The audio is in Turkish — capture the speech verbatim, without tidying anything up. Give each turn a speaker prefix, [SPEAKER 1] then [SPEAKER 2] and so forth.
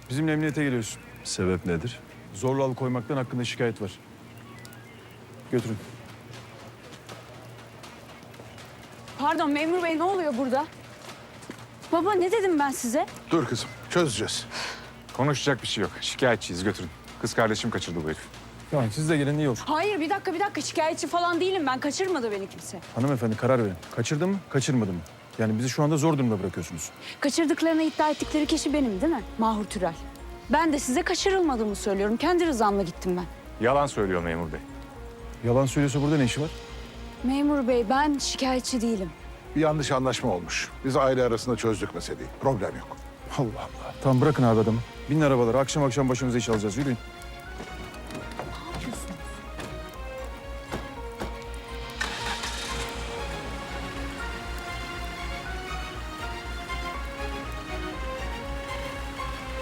[SPEAKER 1] Bizimle emniyete geliyorsun.
[SPEAKER 2] Sebep nedir?
[SPEAKER 1] Zorla alıkoymaktan hakkında şikayet var. Götürün.
[SPEAKER 3] Pardon memur bey, ne oluyor burada? Baba, ne dedim ben size?
[SPEAKER 4] Dur kızım, çözeceğiz.
[SPEAKER 5] Konuşacak bir şey yok. Şikayetçiyiz, götürün. Kız kardeşim kaçırdı bu herif.
[SPEAKER 1] Tamam, siz de gelin, iyi olur.
[SPEAKER 3] Hayır, bir dakika bir dakika, şikayetçi falan değilim ben. Kaçırmadı beni kimse.
[SPEAKER 1] Hanımefendi, karar verin. Kaçırdı mı, kaçırmadı mı? Yani bizi şu anda zor durumda bırakıyorsunuz.
[SPEAKER 3] Kaçırdıklarını iddia ettikleri kişi benim değil mi? Mahur Türel. Ben de size kaçırılmadığımı söylüyorum. Kendi rızamla gittim ben.
[SPEAKER 5] Yalan söylüyor memur bey.
[SPEAKER 1] Yalan söylüyorsa burada ne işi var?
[SPEAKER 3] Memur bey, ben şikayetçi değilim.
[SPEAKER 4] Bir yanlış anlaşma olmuş. Biz aile arasında çözdük meseleyi. Problem yok.
[SPEAKER 1] Allah Allah. Tamam, bırakın abi adamı. Binin arabalara, akşam akşam başımıza iş alacağız. Yürüyün.